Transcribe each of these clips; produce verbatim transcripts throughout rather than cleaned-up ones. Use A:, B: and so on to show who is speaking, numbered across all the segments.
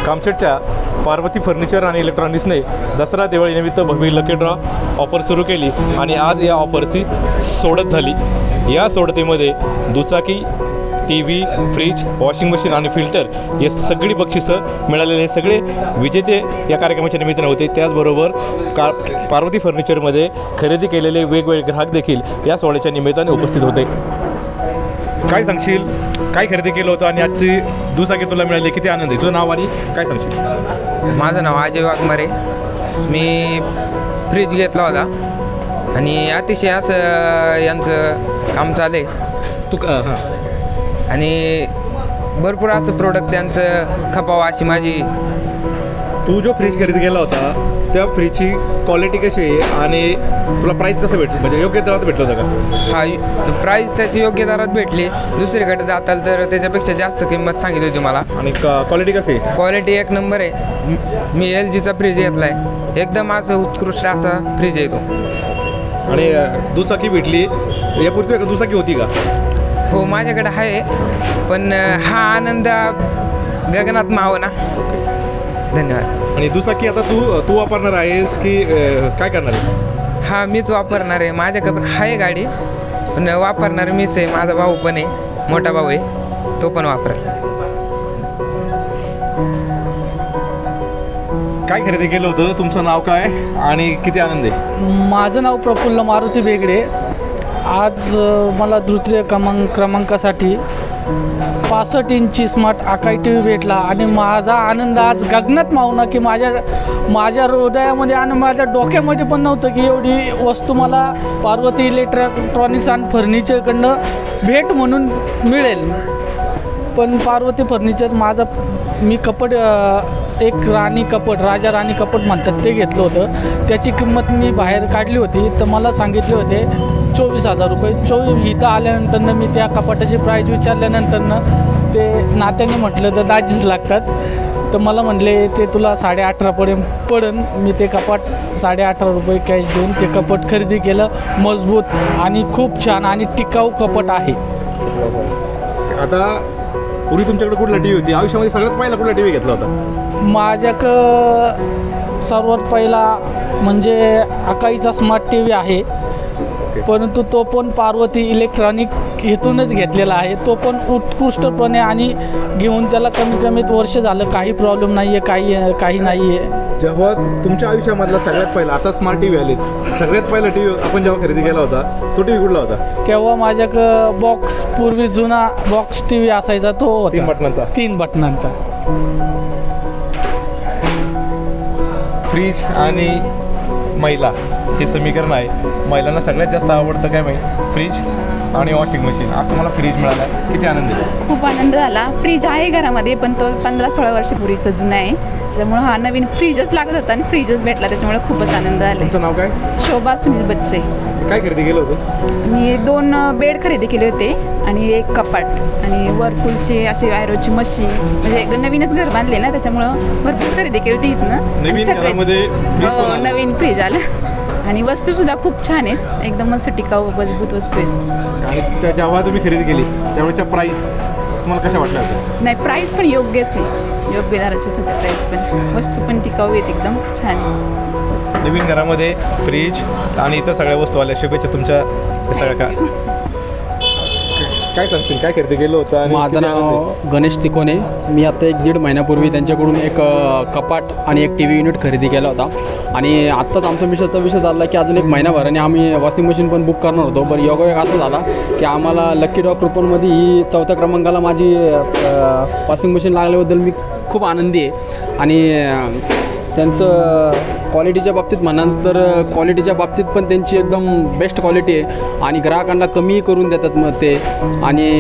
A: कामशेटच्या Parvati furniture आणि इलेक्ट्रॉनिक्सने दसरा दिवाळीनिमित्त भव्य लकी ड्रॉ ऑफर सुरू केली आणि आज या ऑफरची सोडत झाली। या सोडतीमध्ये दुचाकी, T V, fridge, washing machine आणि फिल्टर हे सगळी बक्षिसं मिळालेले सगळे विजेते या कार्यक्रमाच्या निमित्ताने होते। त्याचबरोबर का पार्वती फर्निचरमध्ये खरेदी केलेले वेगवेगळे ग्राहक देखील या सोहळ्याच्या निमित्ताने उपस्थित होते। काय सांगशील, काय खरेदी केलं होतं आणि आजची दुचाकी तुला मिळाली, किती आनंद आहे? तुझं नाव आणि काय सांगशील?
B: माझं नाव अजय वाघमारे। मी फ्रीज घेतला होता आणि अतिशय असं यांचं काम चालू आहे
A: तू हां
B: आणि भरपूर असं प्रोडक्ट त्यांचं खपावं अशी माझी।
A: तू जो फ्रीज खरेदी केला होता त्या फ्रीजची क्वालिटी कशी आहे आणि तुला प्राईस कसं भेटलं, म्हणजे योग्य दरात भेटलं होतं का?
B: हा प्राईस त्याची योग्य दरात भेटली। दुसरीकडे जाताल तर त्याच्यापेक्षा जास्त किंमत सांगितली होती मला।
A: आणि क्वालिटी कशी आहे?
B: क्वालिटी एक नंबर आहे। मी एल जीचा फ्रीज घेतला आहे, एकदम असं उत्कृष्ट असा फ्रीज आहे तो।
A: आणि दुचाकी भेटली, यापूर्वी एक दुचाकी होती का?
B: हो माझ्याकडे आहे, पण हा आनंद गगनात माव ना। धन्यवाद।
A: आणि दुचाकी आता तू तू वापरणार आहेस की काय करणार आहे?
B: हा मीच वापरणार आहे, माझ्याकडे पण आहे गाडी, पण वापरणार मीच आहे। माझा भाऊ पण आहे, मोठा भाऊ आहे, तो पण वापरेल।
A: काय खरेदी केलं होतं, तुमचं नाव काय आणि किती आनंद आहे?
C: माझं नाव प्रफुल्ल मारुती बेगडे। आज अ, मला तृतीय क्रमांक क्रमांकासाठी पासष्ट इंची स्मार्ट आकाई टी व्ही भेटला आणि माझा आनंद आज गगनात मावना की माझ्या माझ्या हृदयामध्ये आणि माझ्या डोक्यामध्ये पण नव्हतं की एवढी वस्तू मला पार्वती इलेक्ट्रॉनिक्स आणि फर्निचरकडनं भेट म्हणून मिळेल। पण पार्वती फर्निचर माझा मी कपड एक राणी कपड, राजा राणी कपड म्हणतात ते घेतलं होतं। त्याची किंमत मी बाहेर काढली होती तर मला सांगितले होते चोवीस हजार रुपये। चोवीस इथं आल्यानंतरनं मी त्या कपाटाची प्राईज विचारल्यानंतरनं ते नात्याने म्हटलं तर दाजीच लागतात, तर मला म्हटले ते तुला साडे अठरापर्यंत पडन। मी ते कपाट साडे अठरा रुपये कॅश देऊन ते कपाट खरेदी केलं। मजबूत आणि खूप छान आणि टिकाऊ कपाट आहे।
A: आता पूर्वी तुमच्याकडे कुठला टी व्ही होती? आयुष्यामध्ये सगळ्यात पहिला कुठला टी व्ही घेतला होता?
C: माझ्याकडं सर्वात पहिला म्हणजे आकाईचा स्मार्ट टी व्ही आहे, परंतु तो पण पार्वती इलेक्ट्रॉनिक इथूनच घेतलेला आहे। तो पण उत्कृष्टपणे आणि घेऊन त्याला कमी कमीत वर्ष झालं, काही प्रॉब्लेम नाही आहे, काही काही नाही आहे।
A: जेव्हा तुमच्या आयुष्यामधला सगळ्यात पहिला, आता स्मार्ट टी व्ही आलेत, सगळ्यात पहिला टी व्ही आपण जेव्हा खरेदी केला होता तो टी व्ही कुठला होता?
C: तेव्हा माझ्याकडं बॉक्स, पूर्वी जुना बॉक्स टी व्ही असायचा तो होता,
A: तीन बटनांचा
C: तीन बटनांचा
A: फ्रीज आणि महिला हे समीकरण आहे। महिलांना सगळ्यात जास्त आवडतं काय माहिती? फ्रीज आणि वॉशिंग मशीन। आज तुम्हाला फ्रीज मिळाला, किती आनंद आहे?
D: खूप आनंद झाला। फ्रीज आहे घरामध्ये, पण तो पंधरा सोळा वर्षापूर्वीचा जुना आहे, त्याच्यामुळं हा नवीन फ्रीजच लागत होता आणि फ्रीजच भेटला, त्याच्यामुळे खूपच आनंद झाला।
A: तुमचं नाव काय?
D: शोभा सुनील बच्चे।
A: काय खरेदी केलं होतं?
D: मी दोन बेड खरेदी केले होते आणि एक कपाट आणि वरपूलची अशी आयरोची मशीन, म्हणजे नवीनच घर बांधले ना, त्याच्यामुळं भरपूर खरेदी केली होती इथनं। आणि
A: नवीन
D: सगळे-
A: घरामध्ये फ्रीज पण
D: हो,
A: आलं.
D: नवीन फ्रीज आलं आणि वस्तूसुद्धा खूप छान आहेत, एकदम मस्त टिकाऊ मजबूत वस्तू आहेत।
A: आणि त्या जेव्हा तुम्ही खरेदी केली त्यावेळेच्या प्राईस तुम्हाला कशा वाटल्या होत्या?
D: नाही, प्राईस पण योग्यच आहे, योग्य दराचीच होते प्राईस पण, वस्तू पण टिकाऊ आहेत, एकदम छान आहे।
A: नवीन घरामध्ये फ्रीज आणि इतर सगळ्या वस्तू आल्या, शुभेच्छा तुमच्या या सगळ्या का काय सांगशील, काय खरेदी केलं होतं? आणि
E: माझं
A: किती आनंद आहे?
E: नाव गणेश तिकोने। मी आता एक दीड महिन्यापूर्वी त्यांच्याकडून एक अ, कपाट आणि एक टी व्ही युनिट खरेदी केला होता आणि आत्ताच आमचा मिशनचा विषय झाला की अजून एक महिनाभराने आम्ही वॉशिंग मशीन पण बुक करणार होतो। बरं योगायोग असा झाला की आम्हाला लकी ड्रॉ कुपनमध्ये ही चौथ्या क्रमांकाला माझी वॉशिंग मशीन लागल्याबद्दल मी खूप आनंदी आहे। आणि अ, त्यांचं क्वालिटीच्या बाबतीत म्हणाल तर क्वालिटीच्या बाबतीत पण त्यांची एकदम बेस्ट क्वालिटी आहे आणि ग्राहकांना कमी करून देतात मग ते। आणि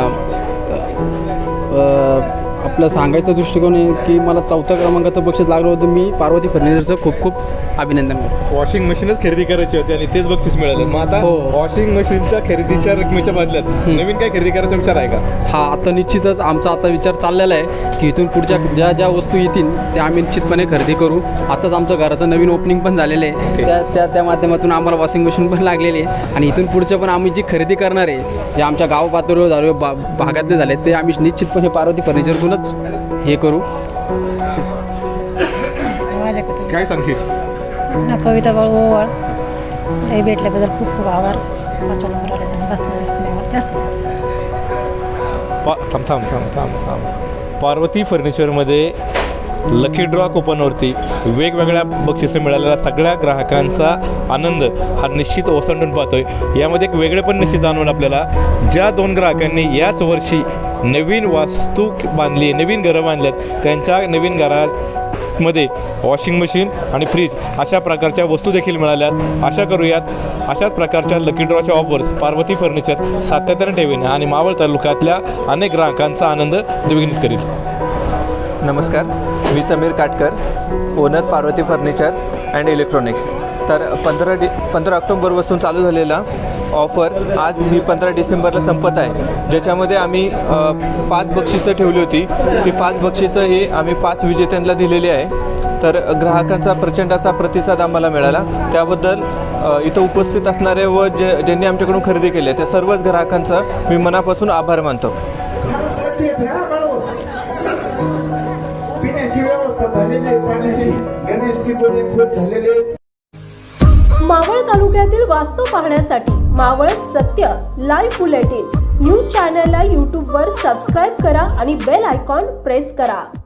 E: आपलं सांगायचा दृष्टिकोन आहे की मला चौथ्या क्रमांकाचं बक्षीस लागलं होतं। मी पार्वती फर्निचरचं खूप खूप अभिनंदन करतो।
A: वॉशिंग मशीनच खरेदी करायची होती आणि तेच बक्षीस मिळालं। मग आता
E: हो.
A: वॉशिंग मशीनच्या खरेदीच्या रकमेच्या बदल्यात नवीन काय खरेदी करायचा विचार आहे का?
E: हा, आता निश्चितच आमचा आता विचार चाललेला आहे की इथून पुढच्या ज्या ज्या वस्तू येतील त्या आम्ही निश्चितपणे खरेदी करू। आताच आमचं घराचं नवीन ओपनिंग पण झालेलं आहे, त्या त्या त्या माध्यमातून आम्हाला वॉशिंग मशीन पण लागलेली आहे आणि इथून पुढच्या पण आम्ही जी खरेदी करणार आहे, जे आमच्या गाव पातळीवर झाले, बा भागातले झाले, ते आम्ही निश्चितपणे पार्वती फर्निचरतूनच हे करू।
F: शकत
A: काय सांगशील?
F: नाही. कविता बाळ ओवाळ हे भेटल्याबद्दल खूप खूप आभार. पाचव्या नंबर आल्याचं बस जास्त जास्त
A: पा थांब थांब थांब थांब थांब पार्वती फर्निचरमध्ये लकी ड्रॉ कुपनवरती वेगवेगळ्या बक्षिसं मिळालेल्या सगळ्या ग्राहकांचा आनंद हा निश्चित ओसंडून पाहतोय. यामध्ये एक वेगळे पण निश्चित जाणवून आपल्याला, ज्या दोन ग्राहकांनी याच वर्षी नवीन वास्तू बांधली, नवीन घरं बांधल्यात, त्यांच्या नवीन घरामध्ये वॉशिंग मशीन आणि फ्रीज अशा प्रकारच्या वस्तू देखील मिळाल्यात. आशा करूयात अशाच प्रकारच्या लकी ड्रॉच्या ऑफर्स पार्वती फर्निचर सातत्याने ठेवीने आणि मावळ तालुक्यातल्या अनेक ग्राहकांचा आनंद द्विगुणित करील.
G: नमस्कार, मी Sameer Katkar, owner Parvati furniture and electronics. तर पंधरा डि पंधरा ऑक्टोंबरपासून चालू झालेला ऑफर आज ही पंधरा डिसेंबरला संपत आहे, ज्याच्यामध्ये आम्ही अ, पाच बक्षिसं ठेवली होती. ती पाच बक्षिसं ही आम्ही पाच विजेत्यांना दिलेली आहे. तर ग्राहकांचा प्रचंड असा प्रतिसाद आम्हाला मिळाला. त्याबद्दल अ, इथं उपस्थित असणारे व जे ज्यांनी आमच्याकडून खरेदी केली आहे त्या सर्वच ग्राहकांचा मी मनापासून आभार मानतो.
H: पिण्याची व्यवस्था झालेली आहे, पाण्याची गणेशची डोळे खूप झालेले.
I: मावळ तालुक्यातील वास्तू पाहण्यासाठी मावळ सत्य लाईव्ह बुलेटिन न्यूज चॅनलला यूट्यूबवर सबस्क्राईब करा आणि बेल आयकॉन प्रेस करा.